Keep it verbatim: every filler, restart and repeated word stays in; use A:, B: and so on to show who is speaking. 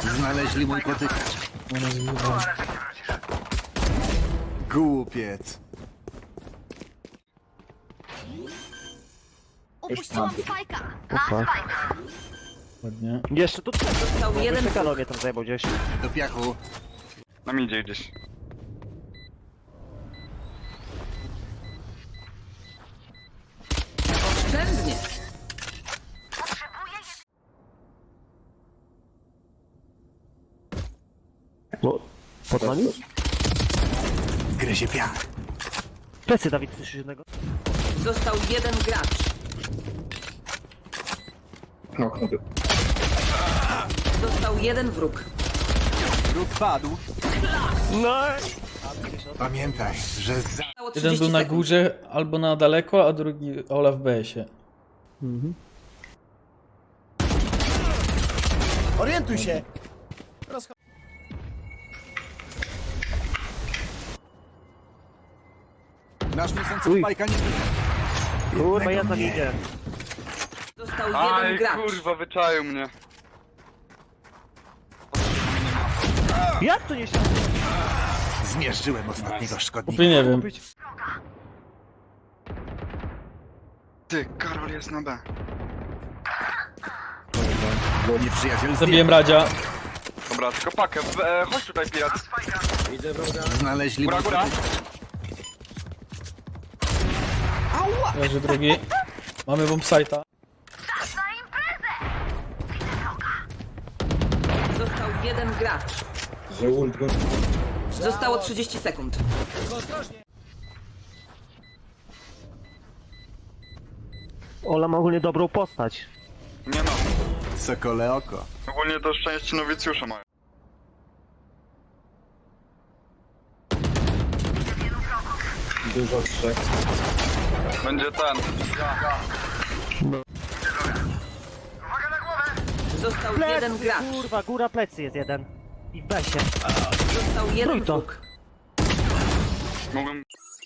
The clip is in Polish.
A: Znaleźli mój potykacz.
B: Ona zgubiła.
A: Głupiec.
C: Upuściłam spajka.
D: Opa.
B: Ładnie.
D: Jeszcze tu
C: Został jeden
D: czekano mnie tam zajebał gdzieś.
A: Do piachu.
E: Na mnie idzie gdzieś.
C: oszczędnie.
D: No, pod nami?
A: Gryzie piach.
D: Plecy, Dawid, słyszysz jednego?
C: Został jeden gracz. Został jeden wróg.
A: Róg padł.
D: No!
A: Pamiętaj, że za...
C: Zostało
B: Jeden
C: trzydzieści
B: był na
C: sekund.
B: górze albo na daleko, a drugi Olaf w B S-ie.
D: Mhm.
F: Orientuj się!
A: Nasz niosący
D: Uj.
A: spajka nie...
D: Kurwa, ja
A: Jednego
D: tam
A: nie.
D: idę.
C: Został
E: Aj,
C: jeden gracz.
E: kurwa, wyczaił mnie.
D: Jak to nie się...
A: Zmierzyłem ostatniego szkodnika.
B: Chłopie, nie wiem.
E: Ty, Karol jest na B.
A: Nieprzyjaciel
B: Zabiłem Radzia.
E: Dobra, tylko pakę. W- E, chodź tutaj, pirat.
A: Znaleźli
E: Góra,
A: mój
E: góra.
A: potykacz.
B: Leży drugi. Mamy bombsite'a.
C: Został jeden gracz. Zostało trzydzieści sekund.
D: Ola ma ogólnie dobrą postać.
E: Nie no.
A: Sokole oko.
E: Ogólnie to szczęście nowicjusza mają.
G: Dużo trzech.
E: Będzie ten.
C: Został
D: Plecy,
C: jeden gracz.
D: kurwa, góra plecy jest jeden. I w besie.
C: Został jeden
D: Trójto.
C: wróg.
E: Mógłbym...